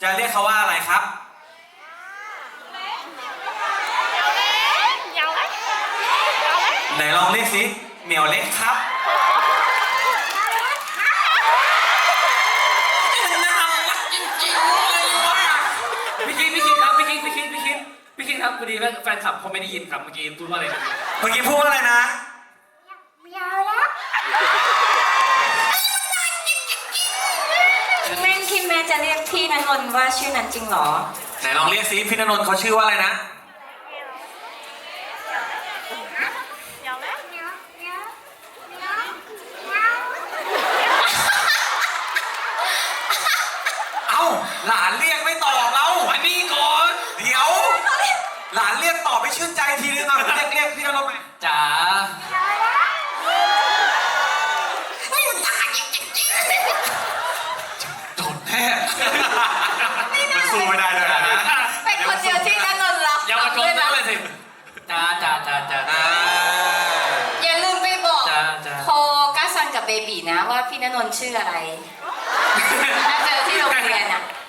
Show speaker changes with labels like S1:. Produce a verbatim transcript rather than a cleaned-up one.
S1: จะเรียกเขาว่าอะไรครับไหนลองเรียกสิเหมียวเล็กครับน่ารักจริงๆเลยว่ะ
S2: พี่คิงพี่คิงครับพี่คิงพี่คิงพี่คิงพี่คิงครับพอดีแฟนคลับเขาไม่ได้ยินครับเมื่อกี้พูดว่าอะไรนะ
S1: เมื่อกี้พูดว่าอะไรนะ
S3: ยาวแล้วแม่คิดแม่จะเรียกพี่ณนนท์ว่าชื่อนั้นจริงเหรอ
S1: ไหนลองเรียกสิพี่ณนนท์เขาชื่อว่าอะไรนะเอ้าหลานเรียกไม่ตอบเราอันนี้ก่อนเดี๋ยวหลานเรียกตอบไปชื่นใจทีนึงอ่ะเรียกเรียกพี่ณนนท์ไป
S2: จ๋า
S1: โดนแน่มันสู้ไม่ได้เลยนะ
S3: เป็นคนเดียวที่ณนนท์รัก
S2: อย่ามาโกงนั่นเลยสิจ๋าจ๋าจ๋าจ๋า
S3: อย่าลืมไปบอก
S2: จ๋าจ๋า
S3: โคก้าซันกับเบบีนะว่าพี่ณนนท์ชื่ออะไรถ้าเจอที่โรงเรียนอ่ะ